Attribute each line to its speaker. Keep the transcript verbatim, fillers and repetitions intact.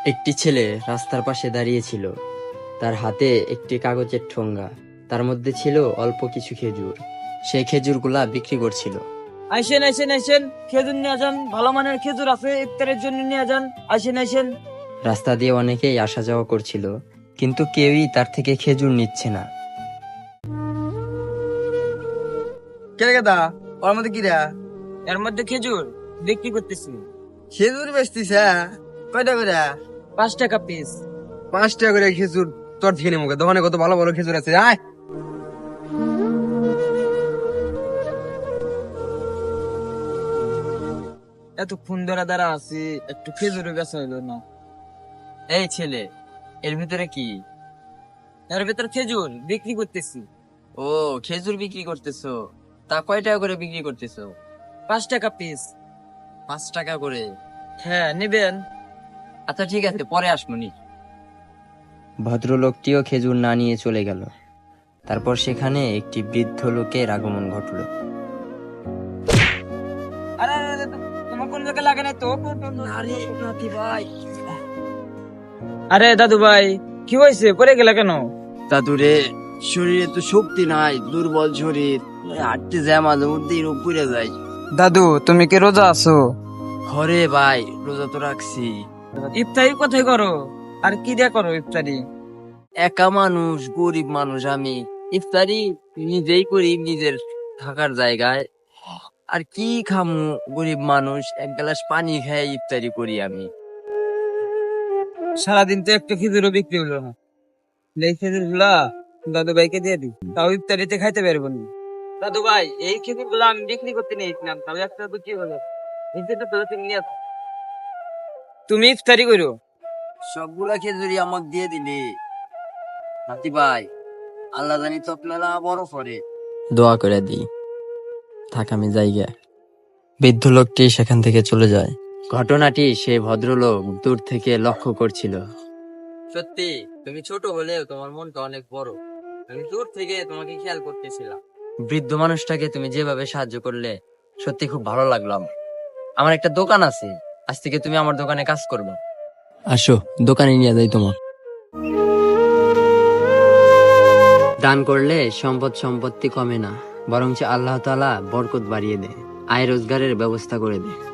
Speaker 1: একটি ছেলে রাস্তার পাশে দাঁড়িয়েছিল। তার হাতে একটি কাগজের ঠোঙ্গা, তার মধ্যে ছিল অল্প কিছু খেজুর। সে খেজুরগুলা বিক্রি করছিল।
Speaker 2: আইসেন আইসেন আইসেন খেজুর নিয়ে যান, ভালো মানের খেজুর আছে, ইফতারের জন্য নিয়ে যান। আইসেন আইসেন।
Speaker 1: রাস্তা দিয়ে অনেকেই আসা যাওয়া করছিল, কিন্তু কেউই তার থেকে খেজুর নিচ্ছে না।
Speaker 3: কে গেদা ওর মধ্যে কিরা
Speaker 2: এর মধ্যে খেজুর বিক্রি করতেছি।
Speaker 3: খেজুর বেচতিস? কয়টা করে?
Speaker 2: পাঁচ টাকা পিস।
Speaker 3: পাঁচ টাকা করে খেজুর? তোর থেকে নেবো, দোকানে কত ভালো ভালো খেজুর আছে। আয়
Speaker 2: এতক্ষণ ধরে দ্বারা আছি, একটু খেজুর বেচা হইলো না।
Speaker 1: এই ছেলে, এর ভিতরে কি?
Speaker 2: এর ভিতর খেজুর বিক্রি করতেছি।
Speaker 1: ও, খেজুর বিক্রি করতেছো? তা কয় টাকা করে বিক্রি করতেছো?
Speaker 2: পাঁচ টাকা পিস।
Speaker 1: পাঁচ টাকা করে?
Speaker 2: হ্যাঁ, নিবেন?
Speaker 1: আচ্ছা ঠিক আছে, পরে আসমনি। ভদ্রলোকটিও খেজুর না নিয়ে চলে গেল। তারপর সেখানে একটি বৃদ্ধ লোকের আগমন ঘটল।
Speaker 2: আরে আরে, আরে, তোমার কোন জায়গায় লাগে নাই তো?
Speaker 1: ভাই,
Speaker 2: আরে দাদু ভাই, কি হয়েছে? পড়ে গেলে কেন?
Speaker 1: দাদুরে, শরীরে তো শক্তি নাই, দুর্বল শরীর, হাঁটতে যায় মাঝে মধ্যে রোগ পড়ে যায়।
Speaker 2: দাদু, তুমি কি রোজা আছো?
Speaker 1: ঘরে ভাই, রোজা তো রাখছি।
Speaker 2: ইফতারি কোথায় করো? আর কি দিয়ে করো ইফতারি?
Speaker 1: একা মানুষ, গরিব মানুষ আমি, ইফতারি নিজেই করি নিজের থাকার জায়গায়। আর কি খামু, গরিব মানুষ, এক গ্লাস পানি খেয়ে ইফতারি করি আমি।
Speaker 2: সারাদিন তো একটা খেজুরও বিক্রি হলো না। এই খেজুর গুলা দাদু ভাইকে দিয়ে দিই, তাও ইফতারিতে খাইতে পারবো না। দাদু ভাই, এই খেজুর গুলা আমি বিক্রি করতে নিয়েছিলাম, তাও একটা তো কি হলো? নিজেটা তো তুমি নিয়ে আসো। তুমি ইফতারি করো।
Speaker 1: সবগুলা খেজুরি আমাকে দিয়ে দিলি নাতি ভাই, আল্লাহ জানি তো আপনারা বড় করে দোয়া করে দিই। থাক, আমি জায়গা। বৃদ্ধ লোকটি সেখান থেকে চলে যায়। ঘটনাটি সে ভদ্রলোক দূর থেকে লক্ষ্য করছিল। সত্যি তুমি ছোট হলেও তোমার মনটা অনেক বড়। আমি দূর থেকে তোমাকে খেয়াল করতেছিলাম। বৃদ্ধ মানুষটাকে তুমি যেভাবে সাহায্য করলে, সত্যি খুব ভালো লাগলো আমার। আমার একটা দোকান আছে, আজ থেকে তুমি আমার দোকানে কাজ করবে। আসো, দোকানে নিয়ে যাই তোমার। দান করলে সম্পদ সম্পত্তি কমে না, বরঞ্চ আল্লাহ তাআলা বরকত বাড়িয়ে দেয়, আয় রোজগারের ব্যবস্থা করে দেয়।